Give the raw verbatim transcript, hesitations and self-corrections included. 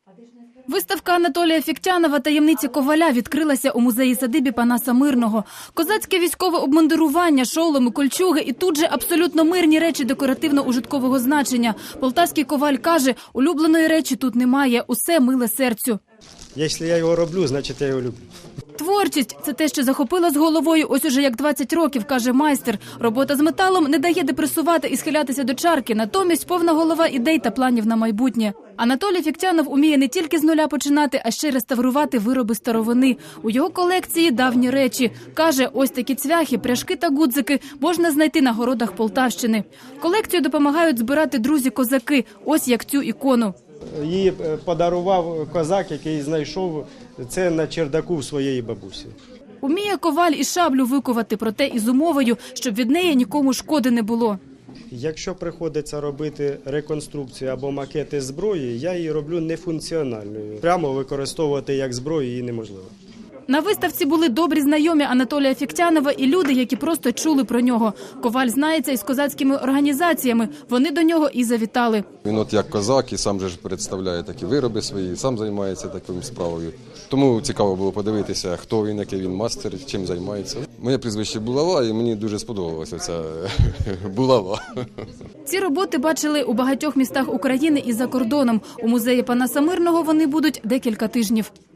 Виставка Анатолія Фіктянова «Таємниці коваля» відкрилася у музеї-садибі Панаса Мирного. Козацьке військове обмундирування, шоломи, кольчуги і тут же абсолютно мирні речі декоративно-ужиткового значення. Полтавський коваль каже, улюбленої речі тут немає, усе миле серцю. Якщо я його роблю, значить я його люблю. Творчість – це те, що захопила з головою ось уже як двадцять років, каже майстер. Робота з металом не дає депресувати і схилятися до чарки, натомість повна голова ідей та планів на майбутнє. Анатолій Фіктянов уміє не тільки з нуля починати, а ще й реставрувати вироби старовини. У його колекції давні речі. Каже, ось такі цвяхи, пряжки та гудзики можна знайти на городах Полтавщини. Колекцію допомагають збирати друзі-козаки, ось як цю ікону. Її подарував козак, який знайшов це на чердаку в своєї бабусі. Уміє коваль і шаблю викувати, проте із умовою, щоб від неї нікому шкоди не було. Якщо приходиться робити реконструкцію або макети зброї, я її роблю нефункціональною. Прямо використовувати як зброю її неможливо. На виставці були добрі знайомі Анатолія Фіктянова і люди, які просто чули про нього. Коваль знається із козацькими організаціями. Вони до нього і завітали. Він от як козак і сам же ж представляє такі вироби свої, сам займається такою справою. Тому цікаво було подивитися, хто він, який він мастер, чим займається. Моє прізвище Булава, і мені дуже сподобалася ця булава. Ці роботи бачили у багатьох містах України і за кордоном. У музеї Панаса Мирного вони будуть декілька тижнів.